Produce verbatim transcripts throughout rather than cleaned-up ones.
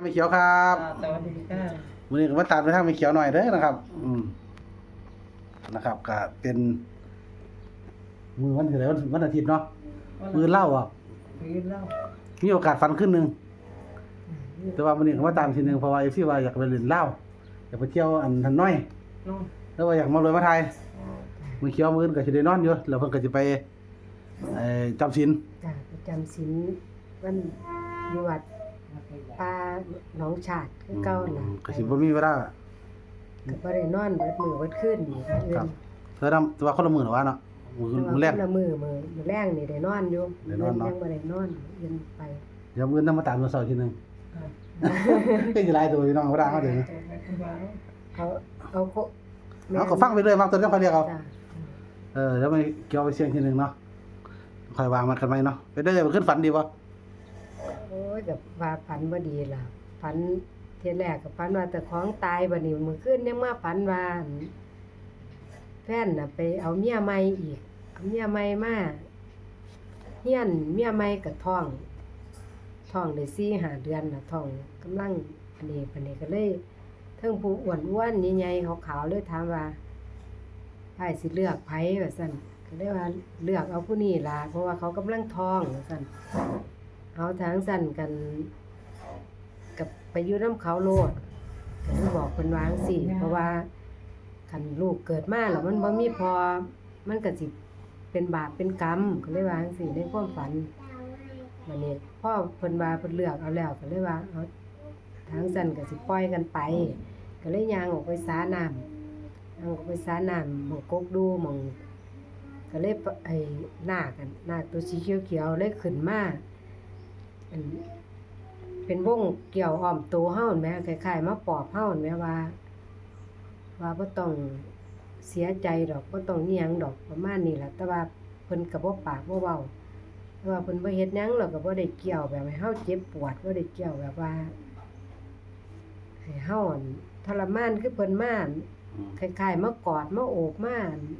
ไม่เขียวครับสวัสดีค่ะวันนี้ก็มาตามไปทางไม่เขียวหน่อยเด้อนะครับ อืมนะครับก็เป็นมือวันที่ไหนวันวันอาทิตย์เนาะมือเล่าอ่ะมือเล่ามีโอกาสฟันขึ้นหนึ่งแต่ว่าวันนี้ก็มาตามทีหนึ่งเพราะว่าเอฟซีว่าอยากไปเล่นเล่าอยากไปเที่ยวอันทันน้อยแล้วว่าอยากมาลอยมาไทยมือเขียวมือก็จะได้นอนอยู่แล้วเพิ่นก็จะไปเอ่อจำศีลจ้ะประจำศีลวันอยู่วัดป่าหนองฉาดคือเก่าน่ะก็สิบ่มีเวลาก็บ่ได้นอนเบิดมื้อเบิดคืนนี่ค่ะเอื้อนเธอทำตัวคนละมื้อหรอวะเนาะมื้อมื้อแรกคนละมื้อมื้อมื้อแรงนี่ได้นอนอยู่ได้นอนเนาะยังบ่ได้นอนเอื้อนไปเดี๋ยวมื้อนำมาตามมื้อเช้าทีนึงก็สิหลายตัวพี่น้องบ่ได้เฮาเด้อเอาเอาโคเอาก็ฟังไปเรื่อยบางตัวจังค่อยเรียกเอาจ้ะเออแล้วไปเกี่ยวไปเสี่ยงทีนึงเนาะค่อยวางมันกันไว้เนาะไปเด้อมันขึ้นฝันดีบ่โอ้ยก็ว่าฝันบ่ดีล่ะฝันเที่ยแรกก็ฝันว่าแต่ของตายบัดนี้มื้อคืนยังมาฝันว่าแฟนน่ะไปเอาเมียใหม่อีกเอาเมียใหม่มาเฮียนเมียใหม่ก็ท้องท้องได้สี่ ห้าเดือนน่ะท้องกำลังอันนี้ปานนี้ก็เลยเทิงผู้อ้วนๆใหญ่ๆขาวๆเลยถามว่าไผสิเลือกไผว่าซั่นก็เลยว่าเลือกเอาผู้นี้ล่ะเพราะว่าเขากำลังท้องว่าซั่นเอาทางซั่นกันกับไปอยู่นำเขาโลดก็เลยบอกเพิ่นว่าจังซี่เพราะว่าคันลูกเกิดมาแล้วมันบ่มีพอมันก็สิเป็นบาปเป็นกรรมก็เลยว่าจังซี่ในความฝันบัดนี้พ่อเพิ่นว่าเพิ่นเลือกเอาแล้วก็เลยว่าเอาทางซั่นก็สิปล่อยกันไปก็เลยย่างออกไปสาน้ำย่างออกไปสาน้ำหม้องกกดูหม้องก็เลยไอ้นาคกันนาคตัวสีเขียวๆเลยขึ้นมาอันเป็นวงเกี่ยวอ้อมตัวเฮาแม่คล้ายๆมาปอบเฮาแม่ว่าว่าบ่ต้องเสียใจดอกบ่ต้องอิหยังดอกประมาณนี้ล่ะแต่ว่าเพิ่นก็บ่ปากบ่เว้าแต่ว่าเพิ่นบ่เฮ็ดหยังแล้วก็บ่ได้เกี่ยวแบบให้เฮาเจ็บปวดบ่ได้เกี่ยวแบบว่าให้เฮาทรมานคือเพิ่นมาคล้ายๆมากอดมาโอบมา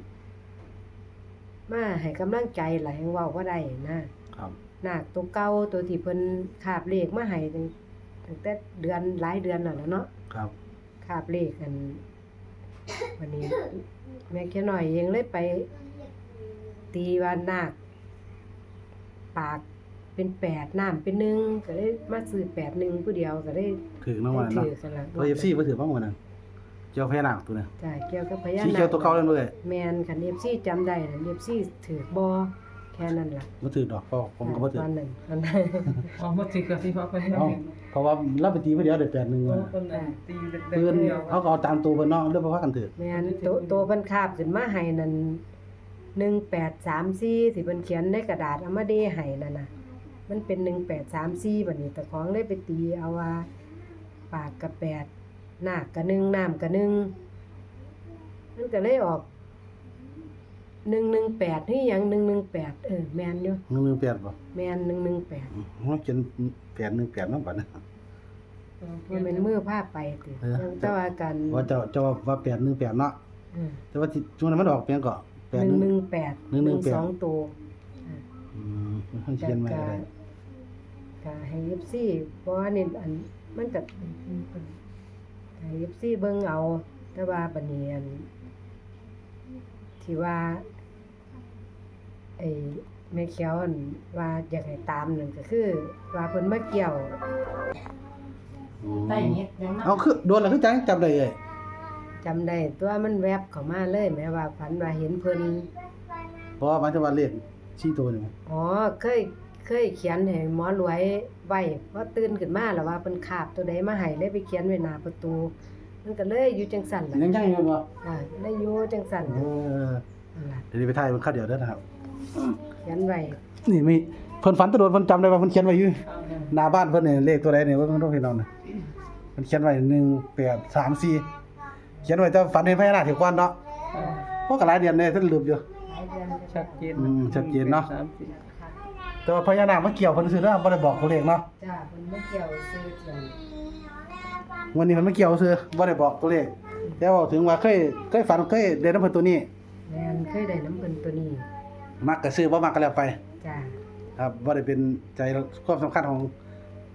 มาให้กำลังใจล่ะแฮงเว้าบ่ได้นะครับนาคตัวเก่าตัวที่เพิ่นคาบเลขมาให้ตั้งแต่เดือนหลายเดือนแล้วเนาะครับคาบเลขกันวันนี้แม่แค่น้อยเองเลยไปตีว่านาคปากเป็นแปดน้ำเป็นหนึ่งก็ได้มาซื้อแปดหนึ่งผู้เดียวก็ได้ถือน้องวันเนาะตัว เอฟ ซี บ่ถือบ้างวันนั้นเกี่ยวพญานาคตัวนึงจ้ะเกี่ยวกับพญานาคสีเขียวตัวเก่าเลยเด้อแม่นคัน เอฟ ซี จำได้น่ะ เอฟ ซี ถือบ่แค่นั้นล่ะบ่ถือดอกเพราะผมก็บ่ถือตอนนั้นตอนนั้นอ๋อบ่ถือกับที่พ่อเพิ่นเฮ็ดเพราะว่าเราไปตีผู้เดียวได้แปดหนึ่งว่าเพิ่นน่ะตีเด็กๆเพิ่นเดียวเขาก็เอาตามตัวเพิ่นเนาะแล้วบ่พากันถือแม่นโตโตเพิ่นคาบขึ้นมาให้นั่นหนึ่งแปดสามสี่ที่เพิ่นเขียนในกระดาษเอามาเดให้นั่นน่ะมันเป็นหนึ่งแปดสามสี่บัดนี้แต่ของเลยไปตีเอาว่าปากกับแปดนาคกับหนึ่งน้ำกับหนึ่งมันก็เลยออกหนึ่งหนึ่งแปดนี่หยังหนึ่งหนึ่งแปดเออแม่นอยู่หนึ่งหนึ่งแปดบ่แม่นหนึ่งหนึ่งแปดเฮาเขียนแปดหนึ่งแปดนำบัดนั้นมันเป็นมือพาไปติยังแต่ว่ากันว่าเจ้าเจ้าว่าแปดหนึ่งแปดเนาะอือแต่ว่าที่ช่วงนั้นมันออกเพียงก็แปดหนึ่งหนึ่งแปดหนึ่งหนึ่งแปดสองตัวอืมเฮาเขียนไว้ได้ก็ให้ เอฟ ซี เพราะว่านี่อันมันก็ให้ เอฟ ซี เบิ่งเอาแต่ว่าบัดนี้อันที่ว่าไอ้แม่เขียวอันว่าอยากให้ตามนั่นก็คือว่าเพิ่นมาเกี่ยวได้เฮ็ดยังเอาคือโดนแล้วคือจังจำได้เอ้ยจำได้ตัวมันแวบเข้ามาเลยแม้ว่าฝันว่าเห็นเพิ่นเพราะว่ามันจะว่าเลขสี่ตัวนี่อ๋อเคยเคยเขียนให้หมอรวยไว้พอตื่นขึ้นมาแล้วว่าเพิ่นคาบตัวใดมาให้เลยไปเขียนไว้หน้าประตูมันก็เลยอยู่จังซั่นล่ะยังยังอยู่บ่อ่าเลยอยู่จังซั่นเออนั่นล่ะเดี๋ยวไปถ่ายมันคราวเดียวเด้อนะครับเขียนไว้นี่มีเพิ่นฝันตะโดนเพิ่นจำได้ว่าเพิ่นเขียนไว้อยู่หน้าบ้านเพิ่นนี่เลขตัวใดนี่ว่าเพิ่นต้องให้น้องน่ะเพิ่นเขียนไว้หนึ่งแปดสามสี่เขียนไว้แต่ฝันเห็นพญานาคที่ก่อนเนาะเพราะก็หลายเดือนแน่ท่านลืมอยู่ชัดเจนอืมชัดเจนเนาะแต่ว่าพญานาคมาเกี่ยวเพิ่นซื่อเด้อบ่ได้บอกตัวเลขเนาะจ้าเพิ่นมาเกี่ยวซื้อเถียงวันนี้เพิ่นมาเกี่ยวซื่อบ่ได้บอกตัวเลขแต่ว่าถึงว่าเคยเคยฝันเคยได้นำเพิ่นตัวนี้แม่นเคยได้น้ำเพิ่นตัวนี้มักก็ซื้อบ่มักก็แล้วไปจ้าครับบ่ได้เป็นใจความสำคัญของ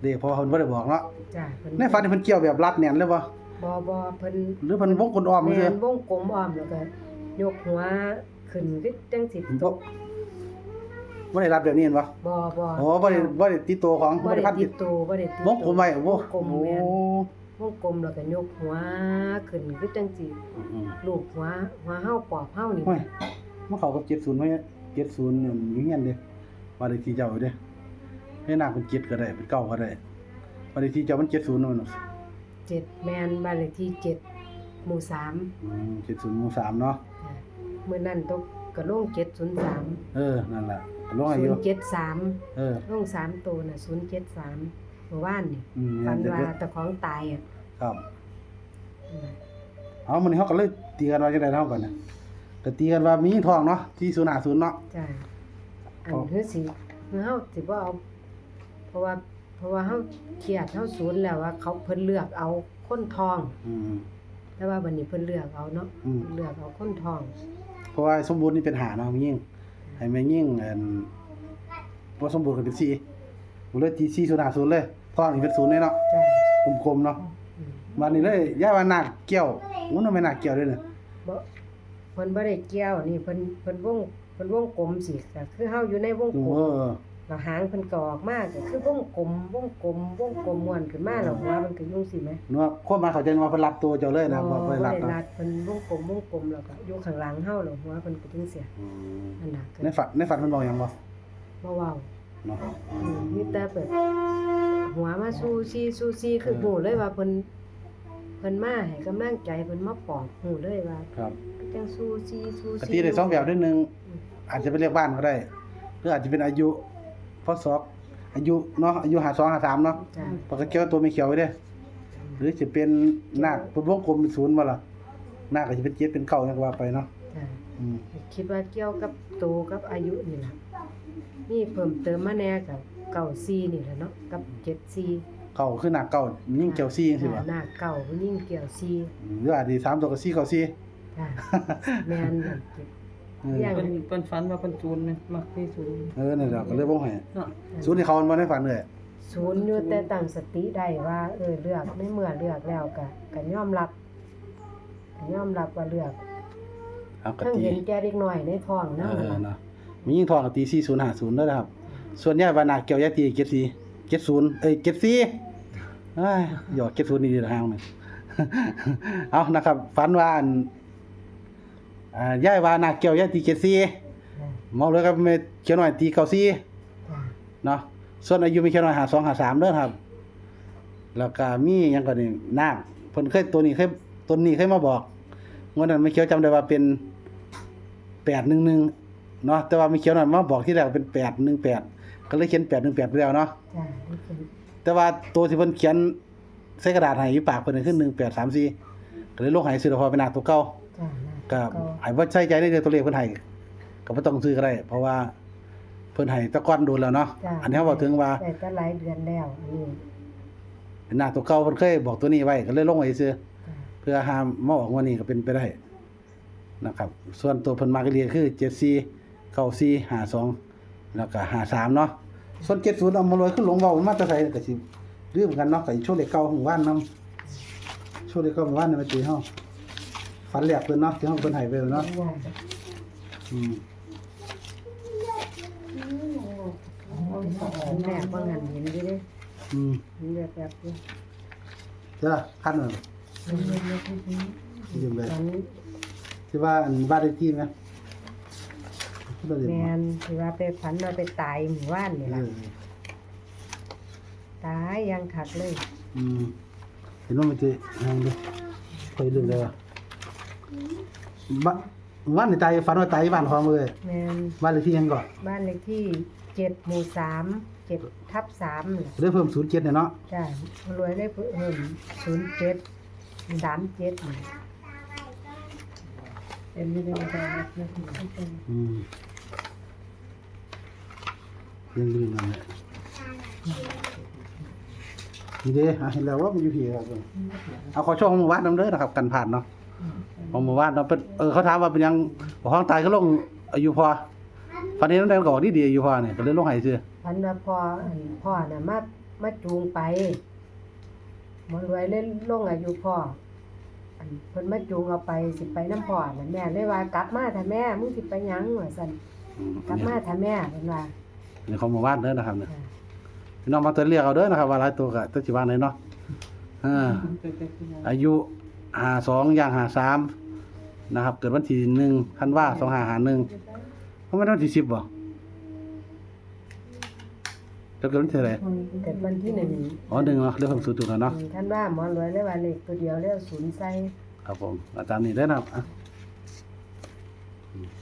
เด็กพอเพิ่นบ่ได้บอกเนาะจ้ะเพิ่นในฝันนี่เพิ่นเกี่ยวแบบรัดแน่นเลยบ่บ่บ่เพิ่นหรือเพิ่นวงกลมอ้อมแม่ซื่อนวงกลมอ้อมแล้วก็ยกหัวขึ้นคือจังสิตบ่กบ่ได้รัดแบบนี้เห็นบ่บ่บ่อ๋อบ่ได้บ่ได้ติดตัวของบ่บ่ได้ได้พันติติดดตัวบ่ได้ติดวงกลมไว้โอ้วงกลมโอ้แม่นวงกลมแล้วก็ยกหัวขึ้นคือจังสิอืมลูกหัวหัวเฮาปอบเฮานี่โอ้ยมันเข้ากับเจ็ดศูนย์ไว้เจ็ดศูนย์นี่อยู่เฮียนเด้ว่าได้ที่เจ้าอยู่เด้ให้นางเป็นเจ็ดก็ได้เป็นเก้าก็ได้ว่าได้ที่เจ้ามันเจ็ดศูนย์นั่นน่ะเจ็ดแม่นบ้านเลขที่เจ็ดหมู่สามอืมเจ็ดศูนย์หมู่สามเนาะจ้ะมื้อนั้นตกก็ลงเจ็ดศูนย์สามเออนั่นล่ะก็ลงอายุศูนย์เจ็ดสามเออลงสามตัวน่ะศูนย์เจ็ดสามเมื่อวานนี่อืมฝันเดี๋ยวว่าเดี๋ยวตะของตายอ่ะครับอืมเอามันนี้เขาก็เลยตีกันว่าจังได๋เท่ากันนะก็ตีกันว่ามีทองเนาะที่ศูนย์ห้าศูนย์เนาะจ้ะอันอ๋อคือสิคือเฮาสิบ่เอาเพราะว่าเพราะว่าเฮาเครียดเฮาสูญแล้วว่าเขาเพิ่นเลือกเอาคนทองอืมแต่ว่าบัดนี้เพิ่นเลือกเอาเนาะอืมเพิ่นเลือกเอาคนทองเพราะว่าสมบูรณ์นี่เป็นหาเนาะแม่ยิ่งให้แม่ยิ่งอันบ่สมบูรณ์ก็เป็นสี่บ่เลยตีสี่ศูนย์ห้าศูนย์เลยทองนี่เป็นศูนย์เลยเนาะจ้ะกลมๆเนาะอืมบัดนี้เลยย่าว่านาคเกี่ยวมันบ่แม่นนาคเกี่ยวเด้อเนี่ยบ่เพิ่นบ่ได้เกี่ยวนี่เพิ่นเพิ่นวงเพิ่นวงกลมสิก็คือเฮาอยู่ในวงอืกมลมเออแล้วหางเพิ่นก็ออกมาก็คือวงกลมวงกลมวงกลมม่วนขึ้นมาแล้วหัวมันก็อยู่สิแหมเนาะคนมาเข้าใจว่าเพิ่นรับตัวเจ้าเลยนะบ่บ่ได้รับได้เนาะรัดเพิ่นวงกลมวงกลมแล้วก็อยู่ข้างหลังเฮาแล้วหัวเพิ่นก็จังเสียอืมนั่นน่ะก็ในฝันในฝันเพิ่นบอกหยังบ่บ่เว้าเนาะอืมมีแต่แบบหัวมาสู้ซี่สู้ซี่คือฮู้เลยว่าเพิ่นเพิ่นมาให้กำลังใจเพิ่นมาปลอบฮู้เลยว่าครับจังสู้ซี่สู้กซี่ติได้สองแบบด้วยหนึงอาจจะเป็นเลขบ้านก็ได้หรืออาจจะเป็นอายุพศอายุเนาะอายุห้าสอง ห้าสามเนาะจ้ะปากกาเขียวตัวไม่เขียวไว้เด้หรือจะเป็นนาคเป็นวงกลมเป็นศูนย์บ่ล่ะนาคก็จะเป็นเจ็ดเป็นเก้าจังว่าไปเนาะจ้ะอืมคิดว่าเกี่ยวกับโตกับอายุนี่ล่ะมีเพิ่มเติมมาแหน่กับเก้าสี่นี่แหละเนาะกับเจ็ดสี่เก้าคือนาคเก้ายิ่งเกี่ยวซี่จังซี่บ่หน้าเก่าผู้หญิงเกี่ยวสี่อืมหรืออาจสิสามตัวก็สี่เก้าสี่จ้ะแม่นนั่นเก็บเอออย่างเพิ่นเพิ่นฝันว่าเพิ่นศูนย์นะมักที่ศูนย์เออนั่นแหละก็เลยบ่ให้เนาะศูนย์ที่เขามันบ่ได้ฝันเลยศูนย์อยู่แต่ตั้งสติได้ว่า เออเลือกในเมื่อเลือกแล้วก็ก็ยอมรับก็ยอมรับว่าเลือกเอาก็ทั้งตีเห็นแก่เด็กน้อยในท้องเอนำอเนาะมียิ่งทองก็ตีสี่ศูนย์ห้าศูนย์ด้วยนะครับ ส่วนใหญ่ว่านาคเกี่ยวยายตีเจ็ดสี่เจ็ดศูนย์เอ้ยเจ็ดสี่เอ้ยหยอกเจ็ดศูนย์นี่ดีละห่างหนึง เอานะครับฝันว่าอันอ่ายายว่านาคเกี่ยวยายตีเจ็ดสี่จ้ะเมาเลยครับแม่เขียวน้อยตีเก้าสี่จ้ะเนาะส่วนอายุมีเขียวน้อยห้าสองห้าสามเด้อครับ แล้วก็มีหยังก็นี่นาคเพิ่นเคยตัวนี้เคยตัวนี้เคยมาบอกงวดนั้นไม่เขียวจำได้ว่าเป็นแปดหนึ่งหนึ่งเนาะแต่ว่าไม่เขียวน้อยมาบอกที่แรกเป็นแปดหนึ่งแปดก็เลยเขียนแปดหนึ่งแปดไปแล้วเนาะจ้ะนี่คือแต่ว่าตัวที่เพิ่นเขียนใส่กระดาษให้อยู่ปากเพิ่นขึ้นหนึ่งแปดสามสี่ก็เลยลงให้ซื้อพอเป็นหน้าตัวเก่าจ้ะนะก็ก็ให้บ่ใส่ใจในเรื่องตัวเลขเพิ่นให้ก็บ่ต้องซื้อก็ได้ เพราะว่าเพิ่นให้แตะก่อนโดนแล้วเนาะจ้ะอันนี้เขาบอกถึงว่าแต่ก็หลายเดือนแล้วอันนี้เป็นหน้าตัวเก่าเพิ่นเคยบอกตัวนี้ไว้ก็เลยลงไว้ซื่อจ้ะเพื่อห้ามมาออกวันนี้ก็เป็นไปได้นะครับ ส่วนตัวเพิ่นมาก็เรียนคือเจ็ดสี่ เก้าสี่ ห้าสองแล้วก็ห้าสามเนาะส่วนเจ็ดศูนย์เอามาลอยขึ้นลงเว้ามันมาแต่ไสก็สิลืมกันเนาะก็ช่วงเลขเก่าของบ้านนำช่วงเลขเก่าของบ้านนี่มาตีเฮาฝันแรกเพิ่นเนาะที่เฮาเพิ่นให้ไปเนาะอืมอันแรกว่างานเห็นอยู่เด้อืมเห็นแบบแบบนี้เจ้าคันนั่นยืมเลยตอนนี้ที่ว่าอันบ้านเลขที่มั้ยที่เราเรียนแมมานที่ว่าไปฝันว่าไปตายหมู่บ้านนี่เอล่ะอตายยังคักเลยอืมเห็นว่ามันจะทางดูคอยลืมเลยว่ะบ้านบ้านในตายฝันว่าตายบ้านของเลยแมนบ้านเลขที่ยังก่อนบ้านเลขที่เจ็ดหมู่สามเจ็ดทับสามนี่ได้เพิ่มศูนย์เจ็ดเนี่ยเนาะจ้ะรวยได้เพิ่มศูนย์เจ็ดสามเจ็ดนี่เป็นไม่ได้ได้อืมยังลืมมันเลยนี่เด้อ่ะเห็นแล้วว่ามันอยู่ที่ครับเอาขอช่วงหมู่บ้านน้ำเด้อนะครับ กันผ่านเนาะของหมู่บ้านเนาะเป็นเออเขาถามว่าเป็นยังบ่ห้องตายก็ลงอายุพอฟันนี้น้ำแดงก็บอกดีๆอายุพอเนี่ยก็เลยลงให้ซื่อฝันว่าพ่ออันพ่อน่ะมามาจูงไปหมอรวยเล่นลงอายุพ่ออันเพิ่นมาจูงเอาไปสิไปน้ำพ่อน่ะแม่เลยว่ากลับมาถ้าแม่มึงสิไปหยังว่าซั่นอืมกลับมาถ้าแม่เพิ่นว่านี่ของหมู่บ้านเด้อนะครับเนี่ยจ้ะพี่น้องมาตัวเรียกเอาเด้อนะครับว่าหลายตัวก็ตัวสิว่าไหนเนาะอ่าอายุห้าสองย่างห้าสามนะครับเกิดวันที่หนึ่งธันวาสองห้าห้าหนึ่งเพราะมันวันที่สิบบ่จะเกิดวันที่เท่าไหร่เกิดวันที่หนึ่งอ๋อหนึ่งเนาะเรื่องของสูตรถูกแล้วเนาะท่านว่าหมอรวยเลยว่าเลขตัวเดียวแล้วศูนย์ใส่ครับผมอาจารย์นี่ได้อนะครับอ่ะอืม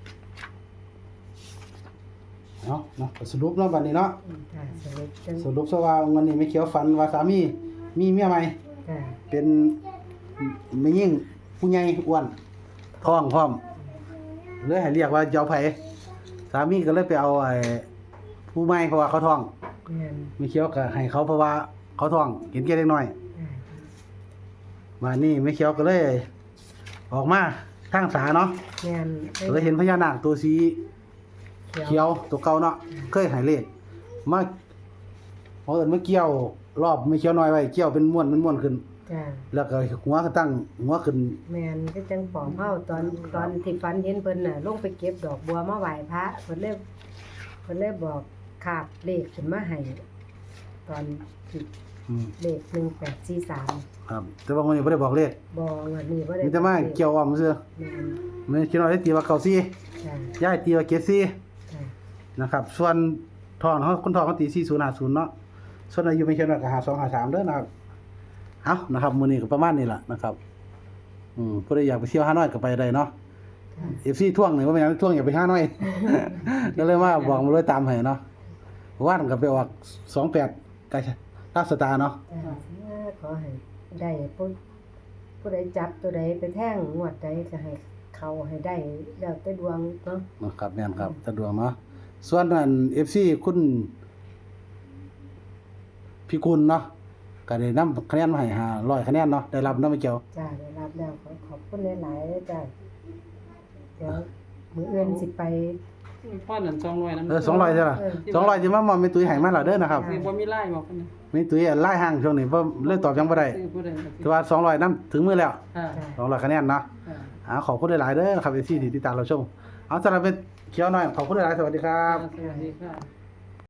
เอาเนาะสรุปเนาะบัดนี้เนาะอืมจ้ะสรุปจังสรุปซะว่าวันนี้ไม่เขียวฝันว่าสามีมีเมียใหม่จ้ะเป็นแม่ยิ่งผู้ใหญ่อ้วนท้องพร้อมเลยให้เรียกว่าเจ้าไผสามีก็เลยไปเอาไอ้ผู้ใหม่เพราะว่าเขาท้องแม่นไม่เขียวก็ให้เขาเพราะว่าเขาท้องเห็นแก่เล็กน้อยจ้ะมานี่ไม่เขียวก็เลย ออกมาทางสาเนาะแม่นก็เลยเห็นพญานาคตัวสีเขียวตัวเก่าเนาะเคยให้เลขมาพอเอิ้นมาเกี่ยวรอบไม่เขียวน้อยไว้เกี่ยวเป็นม้วนเป็นม้วนขึ้นจ้ะแล้วก็หัวก็ตั้งหัวขึ้นแม่นก็จังปอมเฮาตอนตอนที่ฝันเห็นเพิ่นน่ะลงไปเก็บดอกบัวมาไหว้พระเพิ่นเลยเพิ่นเลยบอกขาบเลขขึ้นมาให้ตอนที่อืมเลขหนึ่งแปดสี่สามครับแต่ว่าวันนี้บ่ได้บอกเลขบ่งวดนี้บ่ได้มีแต่มาเกี่ยวอ้อมซื่อแม่นไม่คิดว่าได้ตีว่าเก่าซี่จ้ะย้ายตีว่าเกดซี่จ้ะนะครับ ส่วนทองเขาคนทองเขาตีสี่ศูนย์ห้าศูนย์เนาะส่วนอายุไม่เขียนว่าก็ห้าสองห้าสามเด้อนะครับเอานะครับมื้อนี้ก็ประมาณนี้ล่ะนะครับอืมผู้ใดอยากไปเที่ยวฮานอยก็ไปได้เนาะจ้ะเอฟซีท่วงนี่ว่าเป็นหยังท่วงอย่าไปฮานอย ก็เลยว่าบอกมาเลยตามให้เนาะว่านก็ไปออกสองแปดกาลาสตาร์เนาะจ้ะขอให้ได้ผู้ผู้ใดจับตัวใดไปแท่งงวดใดก็ให้เขาให้ได้แล้วแต่ดวงเนาะนะครับแม่นครับสะดวกเนาะส่วนอัน เอฟ ซี คุณพี่กุลเนาะก็ได้นำคะแนนมาให้ห้าร้อยคะแนนเนาะได้รับเนาะไม่เกี่ยวจ้าได้รับแล้วขอขอบคุณหลายๆเลยจ้าเดี๋ยวมื้ออื่นสิไปป้อนนั่นสองร้อยนำเออสองร้อยใช่ป่ะเออสองร้อยสิมามอมแม่ตุ้ยให้มาแล้วเด้อนะครับสิบ่มีไล่บอกกันนะแม่ตุ้ยไล่ห่างช่วงนี้บ่เลยตอบยังบ่ได้ซื้อผู้ใดก็สิแต่ว่าสองร้อยนำถึงมือแล้วค่ะจ้าสองร้อยคะแนนเนาะค่ะอ่าขอบคุณหลายๆเด้อครับ เอฟ ซี ที่ติดตามเราชมเอาสำหรับเป็นเขียวหน่อยขอบคุณหลายๆสวัสดีครับสวัสดีค่ะ